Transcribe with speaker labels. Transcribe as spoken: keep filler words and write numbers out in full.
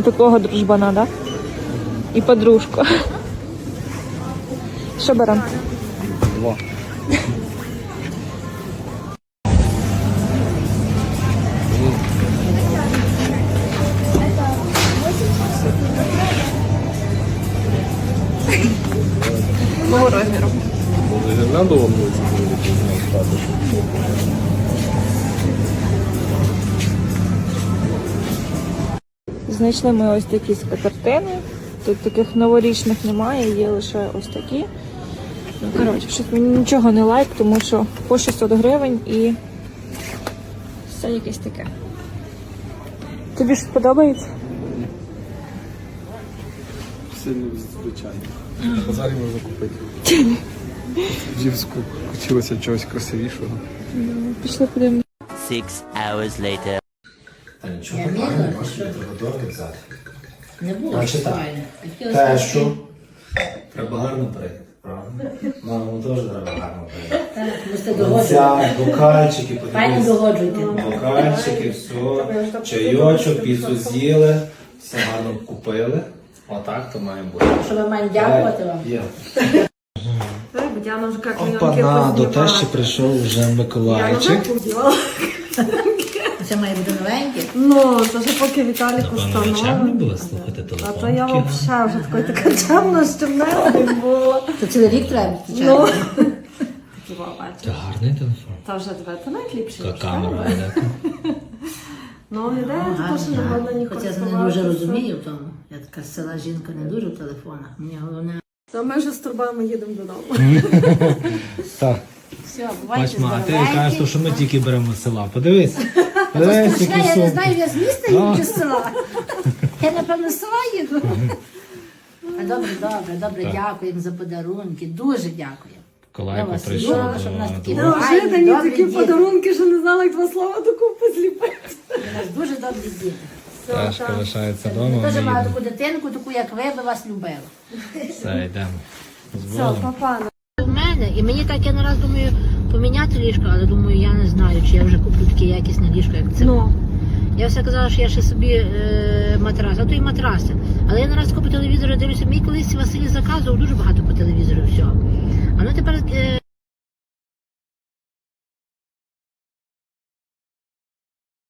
Speaker 1: Отакого дружбана, да? І подружку. Що беремо?
Speaker 2: Два.
Speaker 1: Мого розміру.
Speaker 2: Може, гірлянду вам вулиці буде?
Speaker 1: Знайшли ми ось такі скатертини. Тут таких новорічних немає, є лише ось такі. Ну, коротше, щось мені нічого не лайк, тому що по шістсот гривень і все якесь таке. Тобі щось подобається?
Speaker 2: Сильно звичайно. На базарі можна купити. Дівську хотілося чогось красивішого.
Speaker 1: Пішли подивимося.
Speaker 3: Six hours later.
Speaker 4: Та нічого поганого, можна приготувати взяти.
Speaker 5: Не було
Speaker 4: Значить так,
Speaker 5: файно.
Speaker 4: тешу треба гарно перейти, правда? Маму теж треба гарно перейти.
Speaker 5: Так, ви сте догоджуєте.
Speaker 4: Оця, бокальчики,
Speaker 5: Файно
Speaker 4: подивіться.
Speaker 5: догоджуйте.
Speaker 4: Бокальчики, все, чайочок, піцу з'їли, все гарно купили. Отак то має бути.
Speaker 5: Що ми маємо дякувати вам?
Speaker 4: Є.
Speaker 6: Диана вже як
Speaker 4: Опана, до тещі прийшов вже Миколайчик.
Speaker 5: Це має бути новеньке.
Speaker 6: Ну, це ж поки Віталік установив.
Speaker 7: було слухати телефон.
Speaker 6: А то я взагалі вже такою така чемна, що в мене не було.
Speaker 5: То цілий рік треба,
Speaker 6: Ну,
Speaker 5: звичайно.
Speaker 6: Хіба бачиш?
Speaker 7: Це гарний телефон.
Speaker 6: Та вже тебе, то найліпше.
Speaker 7: Яка камера велика.
Speaker 6: Ну, ідея така, що не можна ні
Speaker 5: Хоча я не дуже розумію в тому. Я така з села жінка не дуже в телефонах. Мені головне.
Speaker 6: То ми вже з турбами їдемо додому.
Speaker 4: Так.
Speaker 5: Все, бувайте
Speaker 7: Бач, ма, а ти
Speaker 5: здоровенькі.
Speaker 7: кажеш, що ми тільки беремо з села. Подивись.
Speaker 5: То
Speaker 7: Подивись,
Speaker 5: страшне,
Speaker 7: які
Speaker 5: я не
Speaker 7: сумки.
Speaker 5: знаю, я з міста їду чи з села. Я, напевно, з села їду. А добре, добре, добре, дякуємо за подарунки. Дуже дякую. Я
Speaker 7: Колайко
Speaker 5: вас
Speaker 7: прийшов
Speaker 5: люблю, щоб в нас такі
Speaker 7: до...
Speaker 6: Неожиданні
Speaker 5: добрі
Speaker 6: такі
Speaker 5: діти.
Speaker 6: подарунки, що не знала, як два слова докупи зліпити.
Speaker 5: У нас дуже добрі діти.
Speaker 7: Ташка лишається
Speaker 5: Я
Speaker 7: вдома,
Speaker 5: теж
Speaker 7: ми
Speaker 5: маю
Speaker 7: їдемо.
Speaker 5: таку дитинку, таку, як ви, би вас любила.
Speaker 7: Все, йдемо. З
Speaker 6: Все,
Speaker 7: Богом.
Speaker 6: папа.
Speaker 5: В мене, і мені так, я нараз думаю, поміняти ліжко, але думаю, я не знаю, чи я вже куплю таке якісне ліжко, як це.
Speaker 6: Ну.
Speaker 5: Я все казала, що я ще собі е, матрас, а то і матраси. Але я нараз купу телевізора дивлюся, мій колись Василь заказував дуже багато по телевізору всього. А ну тепер е,